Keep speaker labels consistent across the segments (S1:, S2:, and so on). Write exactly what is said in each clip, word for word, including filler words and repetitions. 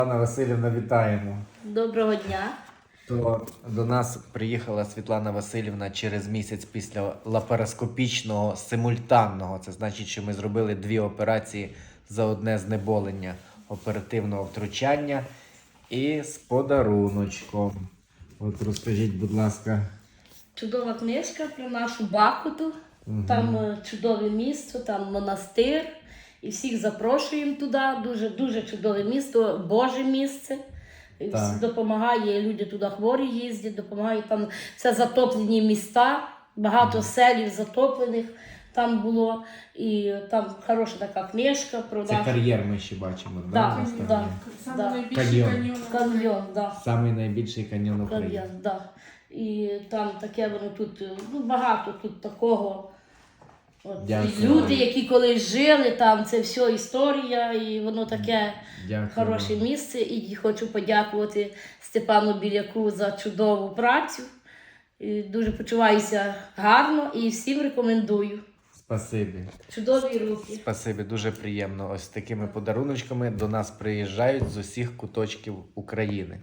S1: Світлана Васильівна, вітаємо.
S2: Доброго дня.
S1: То до нас приїхала Світлана Васильівна через місяць після лапароскопічного симультанного. Це значить, що ми зробили дві операції за одне знеболення оперативного втручання і з подаруночком. От розкажіть, будь ласка.
S2: Чудова книжка про нашу Бахмуту. Угу. Там е, чудове місто, там монастир. І всіх запрошуємо туди. Дуже, дуже чудове місто, Боже місце. Так. Допомагає, люди туди хворі їздять, допомагають, там це затоплені міста, багато mm. селів затоплених там було, і там хороша така книжка. Про
S1: це
S2: наш...
S1: кар'єр ми ще бачимо,
S2: да,
S1: да?
S2: Да,
S3: Саме
S2: да.
S3: найбільший
S1: каньйон.
S3: каньйон.
S2: Каньйон, да.
S1: Самий найбільший каньйон України.
S2: Каньйон, да. І там таке воно тут, ну багато тут такого. От, люди, які колись жили, там це все історія, і воно таке Дякую. Хороше місце. І хочу подякувати Степану Біляку за чудову працю. І дуже почуваюся гарно і всім рекомендую.
S1: Спасибі.
S2: Чудові руки.
S1: Спасибі, дуже приємно. Ось такими подаруночками до нас приїжджають з усіх куточків України.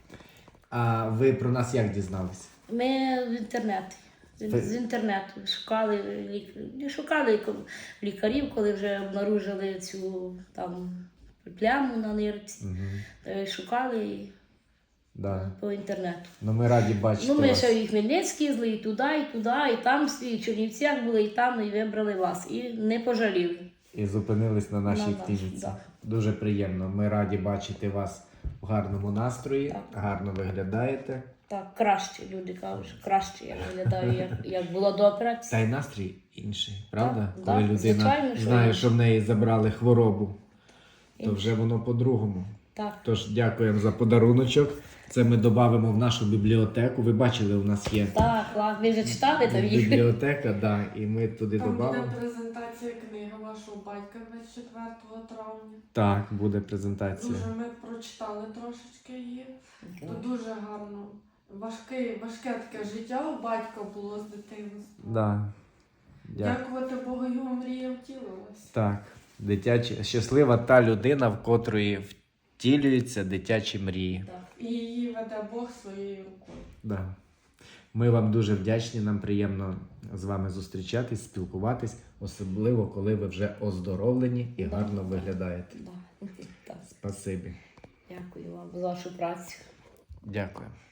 S1: А ви про нас як дізналися?
S2: Ми в інтернеті. З інтернету шукали, не шукали лікарів, коли вже обнаружили цю там пляму на нирці. Угу. Шукали да. по інтернету.
S1: Ну ми раді бачити.
S2: Ну ми
S1: вас.
S2: ще і в Хмельницький їздили, і туди, і туди, і там, і в Чернівцях були, і там, і вибрали вас. І не пожаліли. І
S1: зупинились на нашій
S2: на
S1: клініці.
S2: Да.
S1: Дуже приємно. Ми раді бачити вас в гарному настрої, так. гарно виглядаєте.
S2: Так, краще, люди кажуть, що краще я виглядаю, як, як було до операції.
S1: Та й настрій інший, правда?
S2: Так,
S1: Коли
S2: так,
S1: людина
S2: звичайно,
S1: знає,
S2: що,
S1: що в неї забрали хворобу,
S2: Інший.
S1: то вже воно по-другому.
S2: Так.
S1: Тож дякуємо за подаруночок. Це ми додамо в нашу бібліотеку. Ви бачили, у нас є
S2: Так, ладно, ви вже читали там їх?
S1: бібліотека, да, і ми туди
S3: додамо. Там
S1: додамо.
S3: буде презентація книги вашого батька двадцять четвертого травня.
S1: Так, буде презентація.
S3: Дуже ми прочитали трошечки її. То дуже гарно. Важке, важке таке життя у батька було з дитинства.
S1: Да.
S3: Дякувати Богу, його мрія втілилась.
S1: Так, дитячі, щаслива та людина, в котрої втілюються дитячі мрії.
S3: Так. І її веде Бог своєю рукою.
S1: Да. Ми вам дуже вдячні, нам приємно з вами зустрічатись, спілкуватись, особливо, коли ви вже оздоровлені і
S2: да,
S1: гарно
S2: да,
S1: виглядаєте.
S2: Да, да.
S1: Спасибі.
S2: Дякую вам за вашу працю.
S1: Дякую.